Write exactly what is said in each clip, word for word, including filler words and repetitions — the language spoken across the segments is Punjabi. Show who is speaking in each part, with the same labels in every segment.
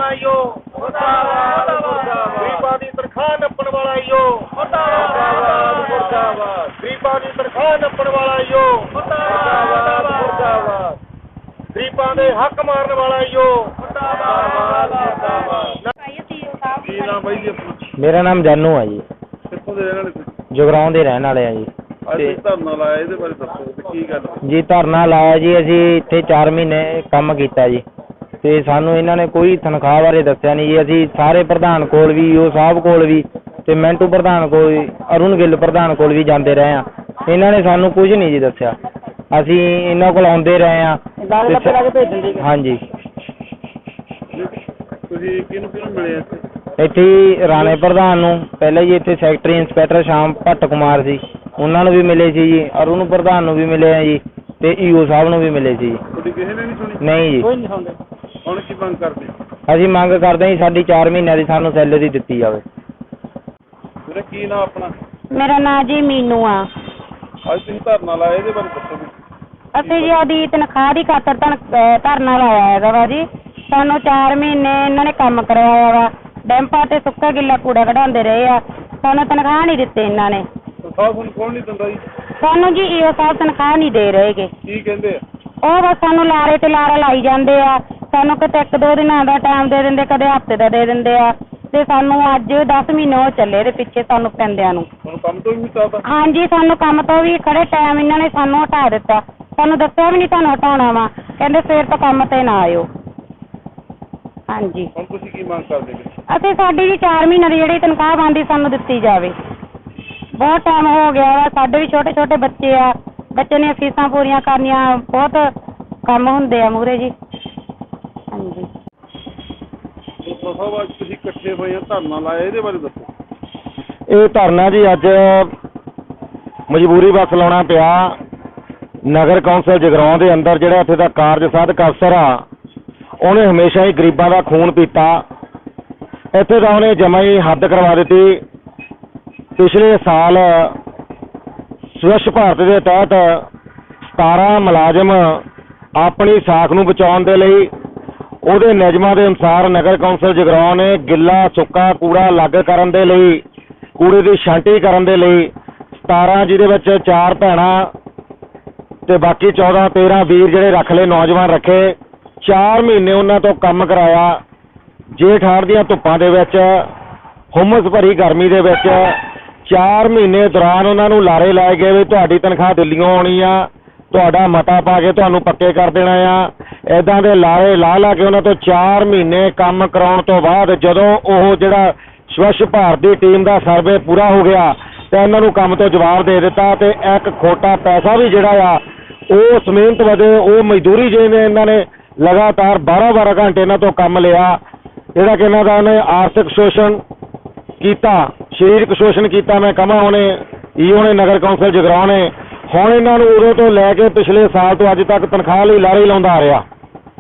Speaker 1: ਈਓ ਮੁਰਦਾਬਾਦ ਮੁਰਦਾਬਾਦ। ਗਰੀਬਾਂ ਦੀ ਤਨਖਾਹ ਨੱਪਣ ਵਾਲਾ ਈਓ ਮੁਰਦਾਬਾਦ ਮੁਰਦਾਬਾਦ। ਗਰੀਬਾਂ ਦੀ ਤਨਖਾਹ ਨੱਪਣ ਵਾਲਾ ਈਓ ਮੁਰਦਾਬਾਦ ਮੁਰਦਾਬਾਦ। ਗਰੀਬਾਂ ਦੇ ਹੱਕ ਮਾਰਨ ਵਾਲਾ ਈਓ ਮੁਰਦਾਬਾਦ ਮੁਰਦਾਬਾਦ।
Speaker 2: ਕੀ ਨਾਮ ਬਾਈ ਜੀ?
Speaker 3: ਮੇਰਾ ਨਾਮ ਜਾਨੂ ਆ ਜੀ।
Speaker 2: ਕਿੱਥੋਂ ਦੇ ਰਹਿਣ ਵਾਲੇ ਤੁਸੀਂ?
Speaker 3: ਜਗਰਾਉਂ ਦੇ ਰਹਿਣ ਵਾਲੇ ਆ ਜੀ।
Speaker 2: ਅੱਜ ਧਰਨਾ ਲਾਇਆ, ਇਹਦੇ ਬਾਰੇ ਦੱਸੋ ਤੇ ਕੀ ਗੱਲ?
Speaker 3: ਜੀ ਧਰਨਾ ਲਾਇਆ ਜੀ, ਅਸੀਂ ਇੱਥੇ ਚਾਰ ਮਹੀਨੇ ਕੰਮ ਕੀਤਾ ਜੀ ਤੇ ਸਾਨੂੰ ਇਹਨਾਂ ਨੇ ਕੋਈ ਤਨਖਾਹ ਬਾਰੇ ਦੱਸਿਆ ਨਹੀਂ ਜੀ। ਅਸੀਂ ਸਾਰੇ ਪ੍ਰਧਾਨ ਕੋਲ ਵੀ, ਈਓ ਸਾਹਿਬ ਕੋਲ ਵੀ ਤੇ ਮਿੰਟੂ ਪ੍ਰਧਾਨ ਕੋਲ ਵੀ, ਅਰੁਣ ਗਿੱਲ ਪ੍ਰਧਾਨ ਕੋਲ ਵੀ ਜਾਂਦੇ ਰਹੇ ਆ। ਇਹਨਾਂ ਨੇ ਸਾਨੂੰ ਕੁਝ ਨਹੀਂ ਜੀ ਦੱਸਿਆ। ਅਸੀਂ ਇਹਨਾਂ ਕੋਲ ਆਉਂਦੇ ਰਹੇ ਆ। ਹਾਂਜੀ।
Speaker 2: ਤੁਸੀਂ ਕਿਹਨੂੰ ਕਿਹਨੂੰ ਮਿਲੇ ਇੱਥੇ?
Speaker 3: ਇੱਥੇ ਹੀ ਰਾਣੇ ਪ੍ਰਧਾਨ ਨੂੰ ਪਹਿਲਾਂ ਜੀ, ਇੱਥੇ ਸੈਕਟਰੀ ਇੰਸਪੈਕਟਰ ਸ਼ਾਮ ਭੱਟ ਕੁਮਾਰ ਸੀ, ਉਹਨਾਂ ਨੂੰ ਵੀ ਮਿਲੇ ਸੀ ਜੀ। ਅਰੁਣ ਪ੍ਰਧਾਨ ਨੂੰ ਵੀ ਮਿਲੇ ਆ ਜੀ ਤੇ ਈਓ ਸਾਹਿਬ ਨੂੰ ਵੀ ਮਿਲੇ ਸੀ ਜੀ।
Speaker 2: ਤੁਹਾਡੀ ਕਿਸੇ ਨੇ ਨਹੀਂ ਸੁਣੀ?
Speaker 3: ਨਹੀਂ ਜੀ।
Speaker 2: ਹੁਣ ਕੀ ਮੰਗ ਕਰਦੇ?
Speaker 3: ਅਸੀਂ ਮੰਗ ਕਰਦੇ ਹਾਂ ਜੀ ਸਾਡੀ ਚਾਰ ਮਹੀਨਿਆਂ ਦੀ ਸਾਨੂੰ ਸੈਲਰੀ ਦਿੱਤੀ ਜਾਵੇ।
Speaker 2: ਵੀਰੇ ਕੀ ਨਾਮ ਆਪਣਾ?
Speaker 4: ਮੇਰਾ ਨਾਂ ਜੀ ਮੀਨੂ ਆ।
Speaker 2: ਅੱਜ ਤੁਸੀਂ ਧਰਨਾ ਲਾਇਆ, ਇਹਦੇ ਬਾਰੇ ਦੱਸੋ ਵੀ।
Speaker 4: ਅਸੀਂ ਜੀ ਉਹਦੀ ਤਨਖਾਹ ਦੀ ਖਾਤਰ ਧਨ- ਧਰਨਾ ਲਾਇਆ ਹੈਗਾ ਵਾ ਜੀ। ਸਾਨੂੰ ਚਾਰ ਮਹੀਨੇ ਇਹਨਾਂ ਨੇ ਕੰਮ ਕਰਵਾਇਆ ਵਾ, ਡੈਂਪਾਂ ਤੇ ਸੁੱਕਾ ਗਿੱਲਾ ਕੂੜਾ ਕਢਾਉਂਦੇ ਰਹੇ ਆ। ਸਾਨੂੰ ਤਨਖਾਹ ਨਹੀਂ ਦਿੱਤੇ ਇਹਨਾਂ ਨੇ।
Speaker 2: ਤਨਖਾਹ ਤੁਹਾਨੂੰ ਕੌਣ ਨਹੀਂ ਦਿੰਦਾ ਜੀ?
Speaker 4: ਸਾਨੂੰ ਜੀ ਈਓ ਸਾਹਿਬ ਤਨਖਾਹ ਨਹੀਂ ਦੇ ਰਹੇਗੇ।
Speaker 2: ਕੀ ਕਹਿੰਦੇ ਆ?
Speaker 4: ਉਹ ਬਸ ਸਾਨੂੰ ਲਾਰੇ ਤੇ ਲਾਰਾ ਲਾਈ ਜਾਂਦੇ ਆ। ਸਾਨੂੰ ਕਿਤੇ ਇੱਕ ਦੋ ਦਿਨਾਂ ਦਾ ਟਾਈਮ ਦੇ ਦਿੰਦੇ, ਕਦੇ ਹਫ਼ਤੇ ਦਾ ਦੇ ਦਿੰਦੇ ਆ ਤੇ ਸਾਨੂੰ ਅੱਜ ਦਸ ਮਹੀਨੇ ਹੋ ਚੱਲੇ ਦੇ ਪਿੱਛੇ ਸਾਨੂੰ ਪੈਂਦਿਆਂ ਨੂੰ।
Speaker 2: ਤੁਹਾਨੂੰ ਕੰਮ ਤੋਂ ਵੀ ਹਟਾਤਾ?
Speaker 4: ਹਾਂਜੀ, ਸਾਨੂੰ ਕੰਮ ਤੋਂ ਵੀ ਖੜੇ ਟਾਈਮ ਇਹਨਾਂ ਨੇ ਸਾਨੂੰ ਹਟਾ ਦਿੱਤਾ। ਸਾਨੂੰ ਦੱਸਿਆ ਵੀ ਨਹੀਂ ਤੁਹਾਨੂੰ ਹਟਾਉਣਾ ਵਾ, ਕਹਿੰਦੇ ਸਵੇਰ ਤੋਂ ਕੰਮ ਤੇ ਨਾ ਆਇਓ। ਹਾਂਜੀ।
Speaker 2: ਹੁਣ ਤੁਸੀਂ ਕੀ ਮੰਗ ਕਰਦੇ ਜੀ?
Speaker 4: ਅਸੀਂ ਸਾਡੀ ਜੀ ਚਾਰ ਮਹੀਨੇ ਦੀ ਜਿਹੜੀ ਤਨਖਾਹ ਬਣਦੀ ਸਾਨੂੰ ਦਿੱਤੀ ਜਾਵੇ। ਬਹੁਤ ਟਾਈਮ ਹੋ ਗਿਆ ਵਾ, ਸਾਡੇ ਵੀ ਛੋਟੇ ਛੋਟੇ ਬੱਚੇ ਆ, ਬੱਚੇ ਨੇ ਫੀਸਾਂ ਪੂਰੀਆਂ ਕਰਨੀਆਂ, ਬਹੁਤ ਕੰਮ ਹੁੰਦੇ ਆ ਮੂਹਰੇ ਜੀ। ਹਾਂਜੀ।
Speaker 2: ਸਾਹਿਬ ਅੱਜ ਤੁਸੀਂ ਇਕੱਠੇ ਹੋਏ ਆ, ਧਰਨਾ ਲਾਇਆ, ਇਹਦੇ ਬਾਰੇ ਦੱਸੋ।
Speaker 3: ਇਹ ਧਰਨਾ ਜੀ ਅੱਜ ਮਜਬੂਰੀ ਬਸ ਲਾਉਣਾ ਪਿਆ। ਨਗਰ ਕੌਂਸਲ ਜਗਰਾਉਂ ਦੇ ਅੰਦਰ ਜਿਹੜਾ ਇੱਥੇ ਦਾ ਕਾਰਜ ਸਾਧਕ ਅਫਸਰ ਆ, ਉਹਨੇ ਹਮੇਸ਼ਾ ਹੀ ਗਰੀਬਾਂ ਦਾ ਖੂਨ ਪੀਤਾ। ਇੱਥੇ ਤਾਂ ਉਹਨੇ ਜਮਾਂ ਹੀ ਹੱਦ ਕਰਵਾ ਦਿੱਤੀ। ਪਿਛਲੇ ਸਾਲ ਸਵੱਛ ਭਾਰਤ ਦੇ ਤਹਿਤ ਸਤਾਰਾਂ ਮੁਲਾਜ਼ਮ ਆਪਣੀ ਸਾਖ ਨੂੰ ਬਚਾਉਣ ਦੇ ਲਈ ਉਹਦੇ ਨਿਯਮਾਂ ਦੇ ਅਨੁਸਾਰ ਨਗਰ ਕੌਂਸਲ ਜਗਰਾਉਂ ਨੇ ਗਿੱਲਾ ਸੁੱਕਾ ਕੂੜਾ ਅਲੱਗ ਕਰਨ ਦੇ ਲਈ, ਕੂੜੇ ਦੀ ਛਾਂਟੀ ਕਰਨ ਦੇ ਲਈ ਸਤਾਰਾਂ, ਜਿਹਦੇ ਵਿੱਚ ਚਾਰ ਭੈਣਾਂ ਤੇ ਬਾਕੀ ਚੌਦਾਂ ਤੇਰਾਂ ਵੀਰ ਜਿਹੜੇ ਰੱਖ ਲਏ, ਨੌਜਵਾਨ ਰੱਖੇ, ਚਾਰ ਮਹੀਨੇ ਉਹਨਾਂ ਤੋਂ ਕੰਮ ਕਰਾਇਆ। ਜੇਠ ਹਾੜ ਦੀਆਂ ਧੁੱਪਾਂ ਦੇ ਵਿੱਚ, ਹੁਮਸ ਭਰੀ ਗਰਮੀ ਦੇ ਵਿੱਚ ਚਾਰ ਮਹੀਨੇ ਦੌਰਾਨ ਉਹਨਾਂ ਨੂੰ ਲਾਰੇ ਲਾਏ ਗਏ ਵੀ ਤੁਹਾਡੀ ਤਨਖਾਹ ਦਿੱਲੀੋਂ ਆਉਣੀ ਆ, ਤੁਹਾਡਾ ਮਤਾ ਪਾ ਕੇ ਤੁਹਾਨੂੰ ਪੱਕੇ ਕਰ ਦੇਣਾ ਆ। ਇੱਦਾਂ ਦੇ ਲਾਰੇ ਲਾ ਲਾ ਕੇ ਉਹਨਾਂ ਤੋਂ ਚਾਰ ਮਹੀਨੇ ਕੰਮ ਕਰਾਉਣ ਤੋਂ ਬਾਅਦ ਜਦੋਂ ਉਹ ਜਿਹੜਾ ਸਵੱਛ ਭਾਰਤ ਦੀ ਟੀਮ ਦਾ ਸਰਵੇ ਪੂਰਾ ਹੋ ਗਿਆ ਤੇ ਇਹਨਾਂ ਨੂੰ ਕੰਮ ਤੋਂ ਜਵਾਬ ਦੇ ਦਿੱਤਾ ਤੇ ਇੱਕ ਖੋਟਾ ਪੈਸਾ ਵੀ ਜਿਹੜਾ ਆ ਉਹ ਸਮੇਤ ਵਜੇ ਉਹ ਮਜ਼ਦੂਰੀ ਜਿਹਨੇ ਇਹਨਾਂ ਨੇ ਲਗਾਤਾਰ ਬਾਰਾਂ ਬਾਰਾਂ ਘੰਟੇ ਇਹਨਾਂ ਤੋਂ ਕੰਮ ਲਿਆ, ਜਿਹੜਾ ਕਿ ਇਹਨਾਂ ਦਾ ਉਹਨੇ ਆਰਥਿਕ ਸ਼ੋਸ਼ਣ ਕੀਤਾ, ਸਰੀਰਕ ਸ਼ੋਸ਼ਣ ਕੀਤਾ। ਮੈਂ ਕਹਾਂ ਉਹਨੇ ਈਓ ਨੇ, ਨਗਰ ਕੌਂਸਲ ਜਗਰਾਉਂ ਨੇ ਹੁਣ ਇਹਨਾਂ ਨੂੰ ਉਦੋਂ ਤੋਂ ਲੈ ਕੇ ਪਿਛਲੇ ਸਾਲ ਤੋਂ ਅੱਜ ਤੱਕ ਤਨਖਾਹ ਲਈ ਲਾਰੇ ਲਾਉਂਦਾ ਆ ਰਿਹਾ।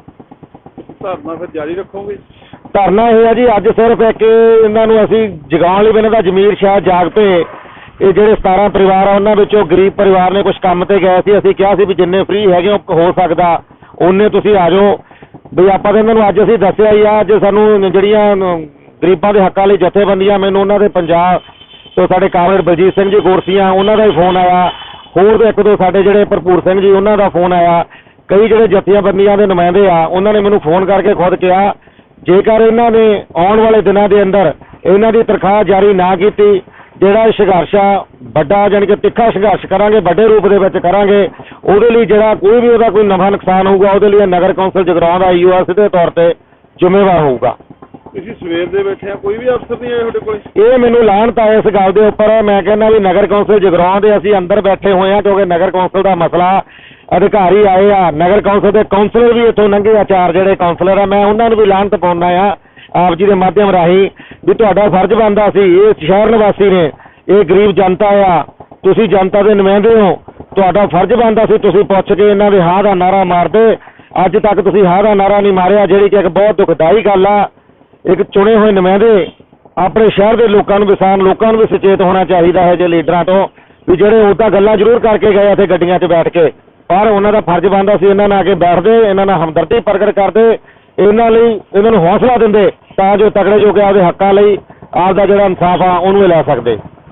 Speaker 2: ਧਰਨਾ ਫਿਰ ਜਾਰੀ ਰੱਖੋਗੇ?
Speaker 3: ਧਰਨਾ ਇਹ ਹੈ ਜੀ, ਅੱਜ ਸਿਰਫ ਇੱਕ ਇਹਨਾਂ ਨੂੰ ਅਸੀਂ ਜਗਾਉਣ ਲਈ, ਇਹਨਾਂ ਦਾ ਜ਼ਮੀਰ ਸ਼ਾਇਦ ਜਾਗ ਪਏ। ਇਹ ਜਿਹੜੇ ਸਤਾਰਾਂ ਪਰਿਵਾਰ ਆ ਉਹਨਾਂ ਵਿੱਚੋਂ ਗਰੀਬ ਪਰਿਵਾਰ ਨੇ ਕੁਝ ਕੰਮ ਤੇ ਗਏ ਸੀ, ਅਸੀਂ ਕਿਹਾ ਸੀ ਵੀ ਜਿੰਨੇ ਫ੍ਰੀ ਹੈਗੇ ਹੋ ਸਕਦਾ ਉਹਨੇ ਤੁਸੀਂ ਆ ਜਾਓ ਵੀ ਆਪਾਂ ਤਾਂ ਇਹਨਾਂ ਨੂੰ ਅੱਜ ਅਸੀਂ ਦੱਸਿਆ ਹੀ ਆ। ਅੱਜ ਸਾਨੂੰ ਜਿਹੜੀਆਂ ਗਰੀਬਾਂ ਦੇ ਹੱਕਾਂ ਲਈ ਜਥੇਬੰਦੀਆਂ, ਮੈਨੂੰ ਉਹਨਾਂ ਦੇ ਪੰਜਾਬ ਤੋਂ ਸਾਡੇ ਕਾਮਰੇਡ ਬਲਜੀਤ ਸਿੰਘ ਜੀ ਗੋਰਸੀਆਂ, ਉਹਨਾਂ ਦਾ ਹੀ ਫੋਨ ਆਇਆ। ਹੋਰ ਇੱਕ ਦੋ ਸਾਡੇ ਜਿਹੜੇ ਭਰਪੂਰ ਸਿੰਘ ਜੀ, ਉਹਨਾਂ ਦਾ ਫੋਨ ਆਇਆ। ਕਈ ਜਿਹੜੇ ਜਥੇਬੰਦੀਆਂ ਦੇ ਨੁਮਾਇੰਦੇ ਆ, ਉਹਨਾਂ ਨੇ ਮੈਨੂੰ ਫੋਨ ਕਰਕੇ ਖੁਦ ਕਿਹਾ ਜੇਕਰ ਇਹਨਾਂ ਨੇ ਆਉਣ ਵਾਲੇ ਦਿਨਾਂ ਦੇ ਅੰਦਰ ਇਹਨਾਂ ਦੀ ਤਨਖਾਹ ਜਾਰੀ ਨਾ ਕੀਤੀ, ਜਿਹੜਾ ਸੰਘਰਸ਼ ਆ ਵੱਡਾ, ਜਾਣੀ ਕਿ ਤਿੱਖਾ ਸੰਘਰਸ਼ ਕਰਾਂਗੇ, ਵੱਡੇ ਰੂਪ ਦੇ ਵਿੱਚ ਕਰਾਂਗੇ। ਉਹਦੇ ਲਈ ਜਿਹੜਾ ਕੋਈ ਵੀ ਉਹਦਾ ਕੋਈ ਨਫਾ ਨੁਕਸਾਨ ਹੋਊਗਾ, ਉਹਦੇ ਲਈ ਨਗਰ ਕੌਂਸਲ ਜਗਰਾਉਂ ਦਾ ਈਓ ਸਿੱਧੇ ਤੌਰ ਤੇ ਜ਼ਿੰਮੇਵਾਰ ਹੋਊਗਾ।
Speaker 2: ਤੁਸੀਂ ਸਵੇਰ ਦੇ ਬੈਠੇ ਆ, ਕੋਈ ਵੀ ਅਫਸਰ ਨਹੀਂ ਆਇਆ ਤੁਹਾਡੇ ਕੋਲ?
Speaker 3: ਇਹ ਮੈਨੂੰ ਲਾਹਨਤ ਆ ਇਸ ਗੱਲ ਦੇ ਉੱਪਰ। ਮੈਂ ਕਹਿੰਦਾ ਵੀ ਨਗਰ ਕੌਂਸਲ ਜਗਰਾਉਂ ਦੇ ਅਸੀਂ ਅੰਦਰ ਬੈਠੇ ਹੋਏ ਆ ਕਿਉਂਕਿ ਨਗਰ ਕੌਂਸਲ ਦਾ ਮਸਲਾ, ਅਧਿਕਾਰੀ ਆਏ ਆ, ਨਗਰ ਕੌਂਸਲ ਦੇ ਕੌਂਸਲਰ ਵੀ ਇੱਥੋਂ ਲੰਘੇ ਆ, ਚਾਰ ਜਿਹੜੇ ਕੌਂਸਲਰ ਆ। ਮੈਂ ਉਹਨਾਂ ਨੂੰ ਵੀ ਲਾਹਨਤ ਪਾਉਂਦਾ ਆ ਆਪ ਜੀ ਦੇ ਮਾਧਿਅਮ ਰਾਹੀਂ ਵੀ ਤੁਹਾਡਾ ਫਰਜ਼ ਬਣਦਾ ਸੀ, ਇਹ ਸ਼ਹਿਰ ਨਿਵਾਸੀ ਨੇ, ਇਹ ਗਰੀਬ ਜਨਤਾ ਆ, ਤੁਸੀਂ ਜਨਤਾ ਦੇ ਨੁਮਾਇੰਦੇ ਹੋ, ਤੁਹਾਡਾ ਫਰਜ਼ ਬਣਦਾ ਸੀ ਤੁਸੀਂ ਪੁੱਛ ਕੇ ਇਹਨਾਂ ਦੇ ਹਾਂ ਦਾ ਨਾਰਾ ਮਾਰਦੇ। ਅੱਜ ਤੱਕ ਤੁਸੀਂ ਹਾਂ ਦਾ ਨਾਰਾ ਨਹੀਂ ਮਾਰਿਆ, ਜਿਹੜੀ ਕਿ ਇੱਕ ਬਹੁਤ ਦੁਖਦਾਈ ਗੱਲ ਆ। ਇੱਕ ਚੁਣੇ ਹੋਏ ਨੁਮਾਇੰਦੇ ਆਪਣੇ ਸ਼ਹਿਰ ਦੇ ਲੋਕਾਂ ਨੂੰ, ਕਿਸਾਨ ਲੋਕਾਂ ਨੂੰ ਵੀ ਸੁਚੇਤ ਹੋਣਾ ਚਾਹੀਦਾ ਹੈ ਜੇ ਲੀਡਰਾਂ ਤੋਂ, ਵੀ ਜਿਹੜੇ ਉੱਦਾਂ ਗੱਲਾਂ ਜ਼ਰੂਰ ਕਰਕੇ ਗਏ ਇੱਥੇ ਗੱਡੀਆਂ 'ਚ ਬੈਠ ਕੇ, ਪਰ ਉਹਨਾਂ ਦਾ ਫਰਜ਼ ਬਣਦਾ ਸੀ ਇਹਨਾਂ ਨਾਲ ਆ ਕੇ ਬੈਠਦੇ, ਇਹਨਾਂ ਨਾਲ ਹਮਦਰਦੀ ਪ੍ਰਗਟ ਕਰਦੇ ਇਹਨਾਂ ਲਈ ਇਹਨਾਂ ਨੂੰ ਹੌਸਲਾ ਦਿੰਦੇ ਤਾਂ ਜੋ ਤਕੜੇ ਜੋ ਕਿ ਆਪਦੇ ਹੱਕਾਂ ਲਈ ਆਪਦਾ ਜਿਹੜਾ ਇਨਸਾਫ ਆ ਉਹਨੂੰ ਇਹ ਲੈ ਸਕਦੇ।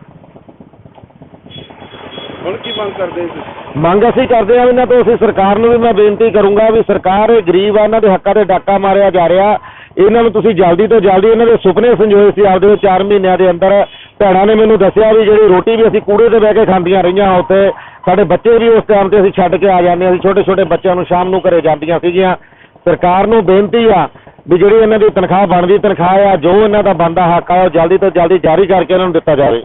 Speaker 2: ਹੁਣ ਕੀ ਮੰਗ ਕਰਦੇ ਜੀ ਤੁਸੀਂ?
Speaker 3: ਮੰਗ ਅਸੀਂ ਕਰਦੇ ਹਾਂ ਇਹਨਾਂ ਤੋਂ, ਅਸੀਂ ਸਰਕਾਰ ਨੂੰ ਵੀ ਮੈਂ ਬੇਨਤੀ ਕਰੂੰਗਾ ਵੀ ਸਰਕਾਰ ਇਹ ਗਰੀਬ ਆ, ਇਹਨਾਂ ਦੇ ਹੱਕਾਂ ਤੇ ਡਾਕਾ ਮਾਰਿਆ ਜਾ ਰਿਹਾ, ਇਹਨਾਂ ਨੂੰ ਤੁਸੀਂ ਜਲਦੀ ਤੋਂ ਜਲਦੀ ਇਹਨਾਂ ਦੇ ਸੁਪਨੇ ਸੰਜੋਏ ਸੀ ਆਪਦੇ ਉਹ ਚਾਰ ਮਹੀਨਿਆਂ ਦੇ ਅੰਦਰ। ਭੈਣਾਂ ਨੇ ਮੈਨੂੰ ਦੱਸਿਆ ਵੀ ਜਿਹੜੀ ਰੋਟੀ ਵੀ ਅਸੀਂ ਕੂੜੇ ਤੇ ਬਹਿ ਕੇ ਖਾਂਦੀਆਂ ਰਹੀਆਂ ਉੱਥੇ, ਸਾਡੇ ਬੱਚੇ ਵੀ ਉਸ ਟਾਈਮ ਤੇ ਅਸੀਂ ਛੱਡ ਕੇ ਆ ਜਾਂਦੇ, ਅਸੀਂ ਛੋਟੇ ਛੋਟੇ ਬੱਚਿਆਂ ਨੂੰ ਸ਼ਾਮ ਨੂੰ ਘਰੇ ਜਾਂਦੀਆਂ ਸੀਗੀਆਂ। ਸਰਕਾਰ ਨੂੰ ਬੇਨਤੀ ਆ ਵੀ ਜਿਹੜੀ ਇਹਨਾਂ ਦੀ ਤਨਖਾਹ ਬਣਦੀ ਤਨਖਾਹ ਆ, ਜੋ ਇਹਨਾਂ ਦਾ ਬਣਦਾ ਹੱਕ ਆ, ਉਹ ਜਲਦੀ ਤੋਂ ਜਲਦੀ ਜਾਰੀ ਕਰਕੇ ਇਹਨਾਂ ਨੂੰ ਦਿੱਤਾ ਜਾਵੇ।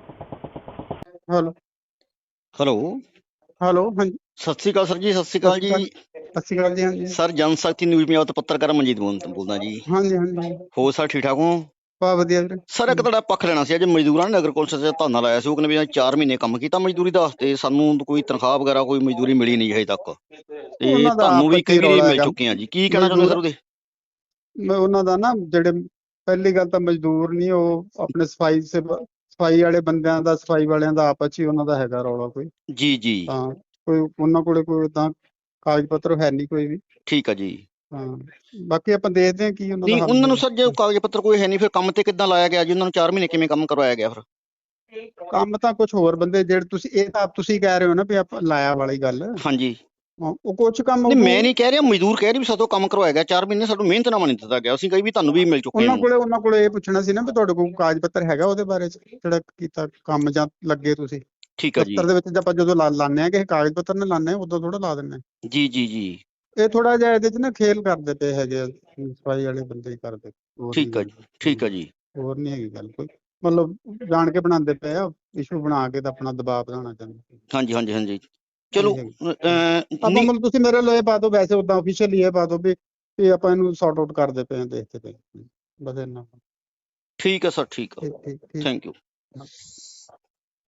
Speaker 5: ਹੈਲੋ
Speaker 6: ਹੈਲੋ
Speaker 5: ਹੈਲੋ ਹਾਂਜੀ
Speaker 6: ਸਤਿ ਸ਼੍ਰੀ ਅਕਾਲ ਸਰ ਜੀ। ਸਤਿ ਸ਼੍ਰੀ ਅਕਾਲ ਜੀ
Speaker 5: ਸਤਿ ਸ਼੍ਰੀ ਅਕਾਲ ਜੀ। ਹਾਂਜੀ
Speaker 6: ਸਰ, ਜਨ ਸ਼ਕਤੀ ਨਿਊਜ਼ ਪੰਜਾਬ ਤੋਂ ਪੱਤਰਕਾਰ ਮਨਜੀਤ ਬੋਲ ਬੋਲਦਾ ਜੀ।
Speaker 5: ਹਾਂਜੀ ਹਾਂਜੀ
Speaker 6: ਹੋਰ ਸਰ ਠੀਕ ਠਾਕ ਹੋ?
Speaker 5: ਬਹੁਤ ਵਧੀਆ ਵੀਰੇ।
Speaker 6: ਸਰ ਇੱਕ ਤੁਹਾਡਾ ਪੱਖ ਲੈਣਾ ਸੀ। ਅੱਜ ਮਜ਼ਦੂਰਾਂ ਨੇ ਨਗਰ ਕੌਂਸਲ 'ਚ ਧਰਨਾ ਲਾਇਆ ਸੀ, ਉਹ ਕਹਿੰਦੇ ਵੀ ਚਾਰ ਮਹੀਨੇ ਕੰਮ ਕੀਤਾ ਮਜ਼ਦੂਰੀ ਦਾ ਤੇ ਸਾਨੂੰ ਕੋਈ ਤਨਖਾਹ ਵਗੈਰਾ ਕੋਈ ਮਜ਼ਦੂਰੀ ਮਿਲੀ ਨਹੀਂ ਹਜੇ ਤੱਕ, ਤੇ
Speaker 5: ਉਹਨਾਂ ਦਾ
Speaker 6: ਤੁਹਾਨੂੰ ਵੀ
Speaker 5: ਆਪਸ 'ਚ
Speaker 6: ਕਈ ਵਾਰੀ
Speaker 5: ਰੌਲਾ
Speaker 6: ਮਿਲ
Speaker 5: ਹੈਗਾ।
Speaker 6: ਚੁੱਕੇ ਆ ਜੀ। ਕੀ ਕਹਿਣਾ ਚਾਹੁੰਦੇ ਸਰ ਉਹਦੇ?
Speaker 5: ਮੈਂ ਉਹਨਾਂ ਦਾ ਨਾ ਜਿਹੜੇ ਪਹਿਲੀ ਗੱਲ ਤਾਂ ਮਜ਼ਦੂਰ ਨਹੀਂ, ਉਹ ਆਪਣੇ ਸਫਾਈ ਸੇ ਸਫਾਈ ਵਾਲੇ ਬੰਦਿਆਂ ਦਾ, ਸਫਾਈ ਵਾਲਿਆਂ ਦਾ ਆਪਸ 'ਚ ਹੀ ਉਹਨਾਂ ਦਾ ਹੈਗਾ ਰੌਲਾ ਕੋਈ।
Speaker 6: ਜੀ ਜੀ
Speaker 5: ਤਾਂ ਕੋਈ ਉਹਨਾਂ ਕੋਲੇ ਕੋਈ ਤਾਂ ਕਾਗਜ਼ ਪੱਤਰ ਹੈ ਨਹੀਂ ਕੋਈ ਵੀ।
Speaker 6: ਠੀਕ ਆ ਜੀ।
Speaker 5: ਹਾਂ ਬਾਕੀ ਆਪਾਂ ਦੇਖਦੇ ਹਾਂ ਕੀ ਉਹਨਾਂ
Speaker 6: ਨਹੀਂ
Speaker 5: ਦਾ ਹੱਲ
Speaker 6: ਉਹਨਾਂ ਨੂੰ
Speaker 5: ਹੈ।
Speaker 6: ਸਰ ਜੇ ਕਾਗਜ਼ ਪੱਤਰ ਕੋਈ ਹੈ ਨਹੀਂ, ਫਿਰ ਕੰਮ ਤੇ ਕਿੱਦਾਂ ਲਾਇਆ ਗਿਆ ਜੀ? ਉਹਨਾਂ ਨੂੰ ਚਾਰ ਮਹੀਨੇ ਕਿਵੇਂ ਕੰਮ ਕਰਵਾਇਆ ਗਿਆ ਫਿਰ?
Speaker 5: ਕੰਮ ਤਾਂ ਕੁਝ ਹੋਰ ਬੰਦੇ ਜਿਹੜੇ ਤੁਸੀਂ ਇਹ ਤਾਂ ਆਪ ਤੁਸੀਂ ਕਹਿ ਰਹੇ ਹੋ ਨਾ ਵੀ ਆਪਾਂ ਲਾਇਆ ਵਾਲੀ ਗੱਲ।
Speaker 6: ਹਾਂਜੀ
Speaker 5: ਹਾਂ, ਉਹ ਕੁਝ ਕੰਮ
Speaker 6: ਨਹੀਂ, ਮੈਂ
Speaker 5: ਉਹ-
Speaker 6: ਨਹੀਂ ਕਹਿ ਰਿਹਾ, ਮਜ਼ਦੂਰ ਕਹਿ ਰਹੇ ਵੀ ਸਾਤੋਂ ਕੰਮ ਕਰਵਾਇਆ ਗਿਆ ਚਾਰ ਮਹੀਨੇ, ਸਾਨੂੰ ਮਿਹਨਤਨਾਮਾ ਨਹੀਂ ਦਿੱਤਾ ਗਿਆ। ਅਸੀਂ ਕਹੀ ਵੀ ਤੁਹਾਨੂੰ ਵੀ ਮਿਲ ਚੁੱਕੇ
Speaker 5: ਉਹਨਾਂ
Speaker 6: ਹਾਂ।
Speaker 5: ਕੋਲੇ ਉਹਨਾਂ ਕੋਲੇ ਇਹ ਪੁੱਛਣਾ ਸੀ ਨਾ ਵੀ ਤੁਹਾਡੇ ਕੋਲ ਕਾਗਜ਼ ਪੱਤਰ ਹੈਗਾ ਉਹਦੇ ਬਾਰੇ ਚ ਜਿਹੜਾ ਕੀਤਾ ਕੰਮ ਜਾਂ ਲੱਗੇ ਤੁਸੀਂ
Speaker 6: ਠੀਕ ਆ ਜੀ।
Speaker 5: ਦਫ਼ਤਰ ਦੇ ਵਿੱਚ। ਆਪਾਂ ਜਦੋਂ ਲਾ ਲਾਉਂਦੇ ਆ ਕਿਸੇ ਕਾਗਜ਼ ਪੱਤਰ ਨਾਲ ਲਾਉਂਦੇ ਆ, ਉਦੋਂ ਥੋੜਾ ਲਾ ਦਿੰਦੇ ਆ।
Speaker 6: ਜੀ ਜੀ ਜੀ
Speaker 5: ਇਹ ਥੋੜਾ ਜਿਹਾ ਇਹਦੇ ਚ ਨਾ ਖੇਲ ਕਰਦੇ ਪਏ ਹੈਗੇ ਆ, ਸਫਾਈ ਵਾਲੇ ਬੰਦੇ ਹੀ ਕਰਦੇ। ਹੋਰ
Speaker 6: ਠੀਕ ਆ
Speaker 5: ਨਹੀਂ
Speaker 6: ਜੀ। ਠੀਕ ਆ ਜੀ।
Speaker 5: ਹੋਰ ਨਹੀਂ ਹੈਗੀ ਗੱਲ ਕੋਈ, ਮਤਲਬ ਜਾਣ ਕੇ ਬਣਾਉਂਦੇ ਪਏ ਆ, ਇਸ਼ੂ ਬਣਾ ਕੇ ਤਾਂ ਆਪਣਾ ਦਬਾਅ ਵਧਾਉਣਾ ਚਾਹੁੰਦੇ।
Speaker 6: ਹਾਂਜੀ ਹਾਂਜੀ ਹਾਂਜੀ ਚਲੋ
Speaker 5: ਨਹੀਂ
Speaker 6: ਅਹ,
Speaker 5: ਆਪਾਂ
Speaker 6: ਨਹੀਂ
Speaker 5: ਮਤਲਬ ਤੁਸੀਂ ਮੇਰੇ ਲਈ ਪਾ ਦਿਓ, ਵੈਸੇ ਉਦਾਂ ਆਫੀਸ਼ੀਅਲੀ ਇਹ ਪਾ ਦਿਓ ਵੀ ਵੀ ਆਪਾਂ ਇਹਨੂੰ ਸੌਰਟ ਆਊਟ ਕਰਦੇ ਪਏ ਆ, ਦੇਖਦੇ ਪਏ। ਬਸ ਇੰਨਾ।
Speaker 6: ਠੀਕ ਆ ਸਰ। ਠੀਕ ਆ।
Speaker 5: ਠੀਕ ਠੀਕ ਠੀਕ।
Speaker 6: Thank you.